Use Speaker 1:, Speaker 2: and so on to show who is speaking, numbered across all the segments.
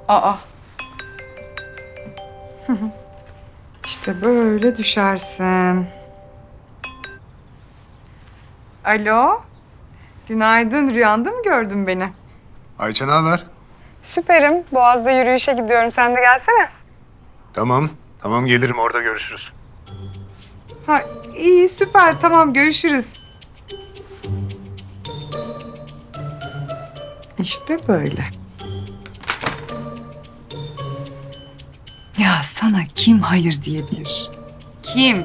Speaker 1: Aa. İşte böyle düşersin. Alo. Günaydın. Rüyanda mı gördün beni?
Speaker 2: Ayça ne haber?
Speaker 1: Süperim. Boğaz'da yürüyüşe gidiyorum. Sen de gelsene.
Speaker 2: Tamam. Tamam gelirim orada görüşürüz.
Speaker 1: Ha, iyi süper. Tamam görüşürüz. İşte böyle. Ya sana kim hayır diyebilir? Kim?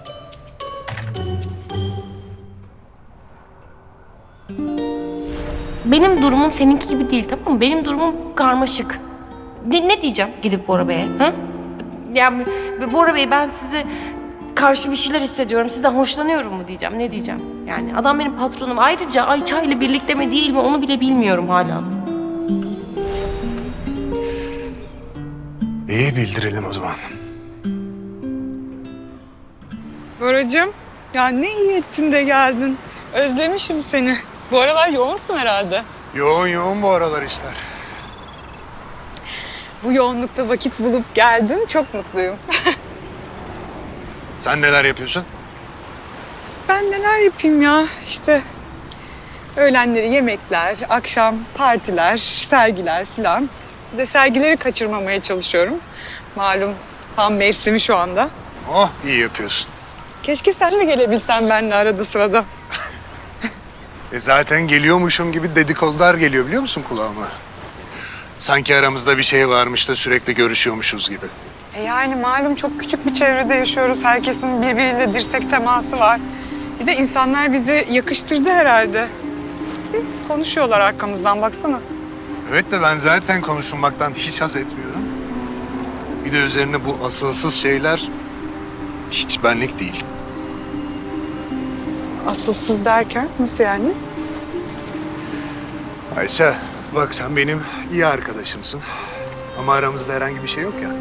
Speaker 3: Benim durumum seninki gibi değil, tamam mı? Benim durumum karmaşık. Ne diyeceğim gidip Bora Bey'e? Ha? Yani Bora Bey, ben size karşı bir şeyler hissediyorum. Sizden hoşlanıyorum mu diyeceğim. Ne diyeceğim? Yani adam benim patronum. Ayrıca Ayça ile birlikte mi değil mi onu bile bilmiyorum hala.
Speaker 2: İyi bildirelim o zaman.
Speaker 1: Boracığım, ya ne iyi ettin de geldin. Özlemişim seni. Bu aralar yoğunsun herhalde.
Speaker 2: Yoğun bu aralar işler.
Speaker 1: Bu yoğunlukta vakit bulup geldin. Çok mutluyum.
Speaker 2: Sen neler yapıyorsun?
Speaker 1: Ben neler yapayım ya? İşte öğlenleri yemekler, akşam partiler, sergiler falan. Bir de sergileri kaçırmamaya çalışıyorum. Malum tam mevsimi şu anda.
Speaker 2: Oh iyi yapıyorsun.
Speaker 1: Keşke sen de gelebilsen benimle arada sırada.
Speaker 2: Zaten geliyormuşum gibi dedikodular geliyor biliyor musun kulağıma? Sanki aramızda bir şey varmış da sürekli görüşüyormuşuz gibi.
Speaker 1: Yani malum çok küçük bir çevrede yaşıyoruz. Herkesin birbiriyle dirsek teması var. Bir de insanlar bizi yakıştırdı herhalde. Hı, konuşuyorlar arkamızdan baksana.
Speaker 2: Evet de ben zaten konuşulmaktan hiç haz etmiyorum. Bir de üzerine bu asılsız şeyler hiç benlik değil.
Speaker 1: Asılsız derken nasıl yani?
Speaker 2: Ayça bak sen benim iyi arkadaşımsın. Ama aramızda herhangi bir şey yok ya.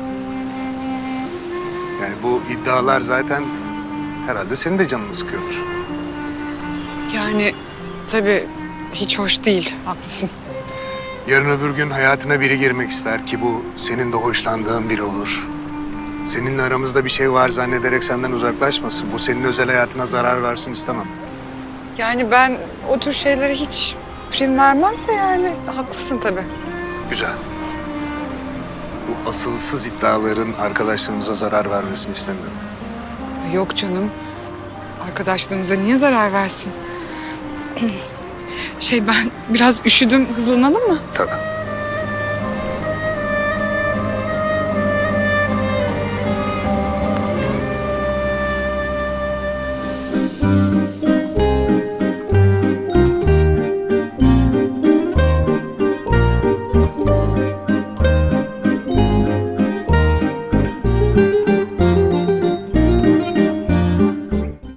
Speaker 2: Yani bu iddialar zaten herhalde senin de canını sıkıyordur.
Speaker 1: Yani tabii hiç hoş değil, haklısın.
Speaker 2: Yarın öbür gün hayatına biri girmek ister ki bu senin de hoşlandığın biri olur. Seninle aramızda bir şey var zannederek senden uzaklaşmasın. Bu senin özel hayatına zarar versin istemem.
Speaker 1: Yani ben o tür şeylere hiç prim vermem de yani haklısın tabii.
Speaker 2: Güzel. Bu asılsız iddiaların arkadaşlığımıza zarar vermesini istemiyorum.
Speaker 1: Yok canım. Arkadaşlığımıza niye zarar versin? Ben biraz üşüdüm. Hızlanalım mı?
Speaker 2: Tabii.